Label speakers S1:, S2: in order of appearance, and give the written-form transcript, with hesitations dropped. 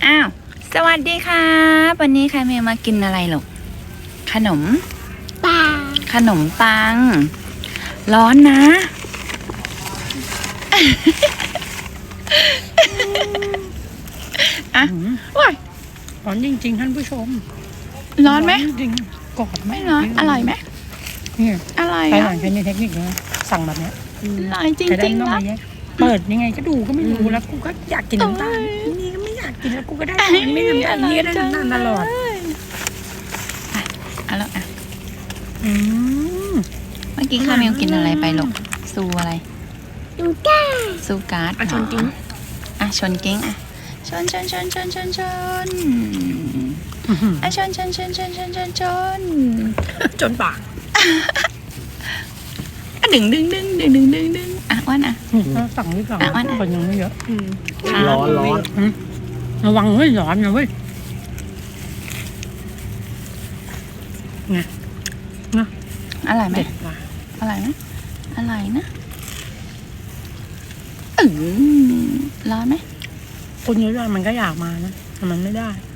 S1: อ้าวสวัสดีค่ะวันนี้ใครมากินอะไรหรอขนมปังขนมปังร้อนนะอ่ะว้าย
S2: ร้อนจริงๆท่านผู้ชม
S1: ร้อนไหม
S2: จริงกอด
S1: ไม่ร้อนอร่อยไหม
S2: นี่
S1: อร่อย
S2: ไปหลังใช้ในเทคนิคนะสั่งแบบเนี้ย
S1: อร่อยจริงๆนะ
S2: เปิดยังไงก็ดูก็ไม่รู้แล้วกูก็อยากกินน้ำตาลนี่ก็ไม่อยากกินแล้วกูก็ได้ไม่น้ำตาลนี่ก็ได้น้ำตาลตลอด
S1: เอาแล้วอ่ะเมื่อกี้ข้าเมลกินอะไรไปหรอกซูอะไรซูการ์ดชนกิ้งอ่ะชนกิ้งอ่ะชนอ่ะชน
S2: จนปาก
S1: ดึงอ่ะอ้วนอ่ะ
S2: สั่งไม่สั่งคนยังไม่เยอะ
S3: ร้อน
S2: ระวังเว้ยร้อนนะเว้ยไงนะ
S1: อร่อยไหมอร่อยไหมอร่อยนะร้อนไหม
S2: คนเยอะๆมันก็อยากมานะแต่มันไม่ได้